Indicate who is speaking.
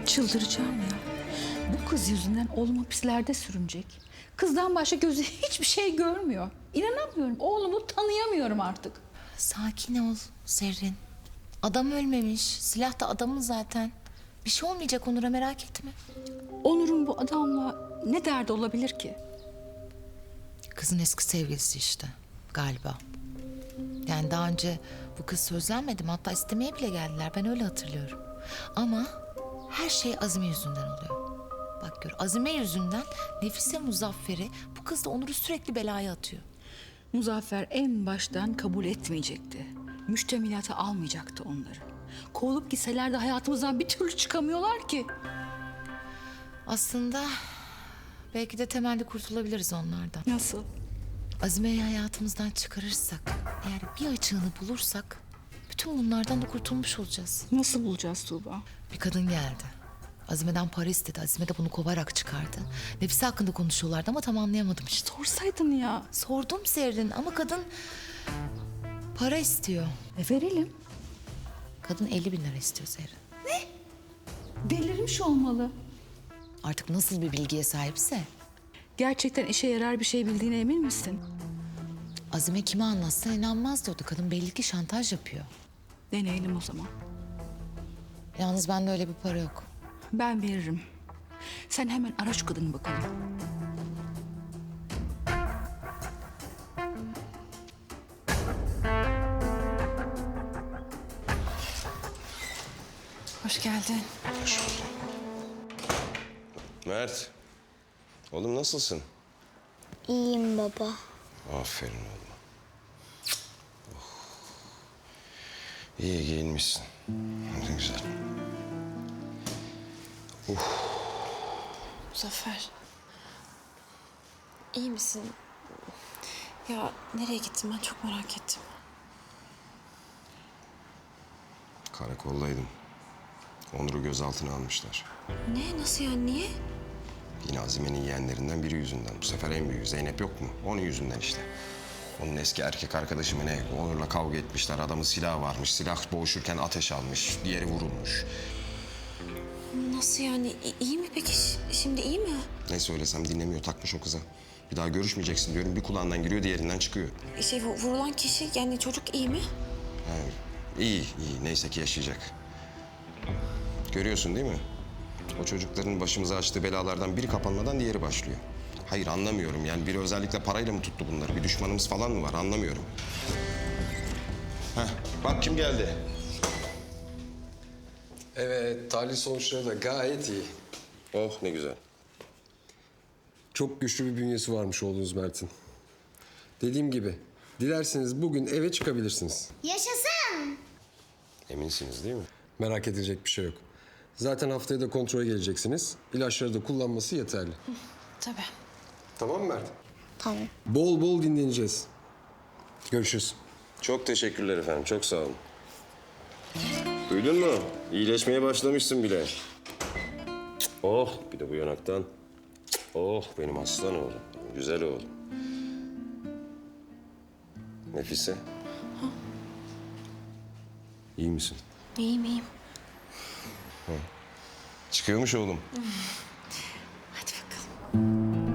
Speaker 1: Çıldıracağım ya. Bu kız yüzünden oğlum hapislerde sürünecek. Kızdan başka gözü hiçbir şey görmüyor. İnanamıyorum. Oğlumu tanıyamıyorum artık.
Speaker 2: Sakin ol Zerrin. Adam ölmemiş. Silah da adamın zaten. Bir şey olmayacak Onur'a, merak etme.
Speaker 1: Onur'un bu adamla ne derdi olabilir ki?
Speaker 2: Kızın eski sevgilisi işte galiba. Yani daha önce bu kız sözlenmedi mi? Hatta istemeye bile geldiler. Ben öyle hatırlıyorum. Ama her şey Azime yüzünden oluyor. Bak gör, Azime yüzünden Nefise Muzaffer'i, bu kız da Onur'u sürekli belaya atıyor.
Speaker 1: Muzaffer en baştan kabul etmeyecekti. Müştemilata almayacaktı onları. Kovulup gitseler de hayatımızdan bir türlü çıkamıyorlar ki.
Speaker 2: Aslında belki de temelli kurtulabiliriz onlardan.
Speaker 1: Nasıl?
Speaker 2: Azime'yi hayatımızdan çıkarırsak, eğer bir açığını bulursak bütün bunlardan da kurtulmuş olacağız.
Speaker 1: Nasıl bulacağız Tuğba?
Speaker 2: Bir kadın geldi. Azime'den para istedi. Azime de bunu kovarak çıkardı. Nefise hakkında konuşuyorlardı ama tam anlayamadım işte.
Speaker 1: Sorsaydın ya.
Speaker 2: Sordum Zerrin ama kadın para istiyor.
Speaker 1: Verelim.
Speaker 2: Kadın 50 bin lira istiyor Zerrin.
Speaker 1: Delirmiş olmalı.
Speaker 2: Artık nasıl bir bilgiye sahipse.
Speaker 1: Gerçekten işe yarar bir şey bildiğine emin misin?
Speaker 2: Azime kime anlatsa inanmaz diyordu. Kadın belli ki şantaj yapıyor.
Speaker 1: Deneyelim o zaman.
Speaker 2: Yalnız bende öyle bir para yok.
Speaker 1: Ben veririm. Sen hemen ara şu kadını bakalım.
Speaker 3: Hoş geldin.
Speaker 4: Mert. Oğlum nasılsın?
Speaker 5: İyiyim baba.
Speaker 4: Aferin oğlum. Oh. İyi giyinmişsin. Ne güzel.
Speaker 3: Muzaffer. İyi misin? Ya nereye gittin, ben çok merak ettim.
Speaker 4: Karakoldaydım. Onur'u gözaltına almışlar.
Speaker 3: Ne, nasıl yani, niye?
Speaker 4: Yine Azime'nin yeğenlerinden biri yüzünden. Bu sefer en büyüğü Zeynep yok mu? Onun yüzünden işte. Onun eski erkek arkadaşı mı ne? Onur'la kavga etmişler. Adamın silahı varmış. Silah boğuşurken ateş almış. Diğeri vurulmuş.
Speaker 3: Nasıl yani, iyi mi peki? Şimdi iyi mi?
Speaker 4: Ne söylesem dinlemiyor. Takmış o kıza. Bir daha görüşmeyeceksin diyorum. Bir kulağından giriyor, diğerinden çıkıyor.
Speaker 3: Vurulan kişi, yani çocuk iyi mi?
Speaker 4: İyi, iyi. Neyse ki yaşayacak. Görüyorsun değil mi? O çocukların başımıza açtığı belalardan biri kapanmadan diğeri başlıyor. Hayır anlamıyorum yani biri özellikle parayla mı tuttu bunları? Bir düşmanımız falan mı var anlamıyorum. Heh, bak kim geldi?
Speaker 6: Evet, tahlil sonuçları da gayet iyi.
Speaker 4: Oh ne güzel.
Speaker 6: Çok güçlü bir bünyesi varmış oğlunuz Mert'in. Dediğim gibi, dilerseniz bugün eve çıkabilirsiniz.
Speaker 5: Yaşasın.
Speaker 4: Eminsiniz değil mi?
Speaker 6: Merak edecek bir şey yok. Zaten haftaya da kontrole geleceksiniz. İlaçları da kullanması yeterli.
Speaker 3: Tabii.
Speaker 6: Tamam mı Mert?
Speaker 5: Tamam.
Speaker 6: Bol bol dinleneceğiz. Görüşürüz.
Speaker 4: Çok teşekkürler efendim, çok sağ olun. Duydun mu? İyileşmeye başlamışsın bile. Oh, bir de bu yanaktan. Oh, benim aslan oğlum, güzel oğlum. Nefise. İyi misin?
Speaker 3: İyiyim, iyiyim.
Speaker 4: Çıkıyormuş oğlum.
Speaker 3: Hadi bakalım.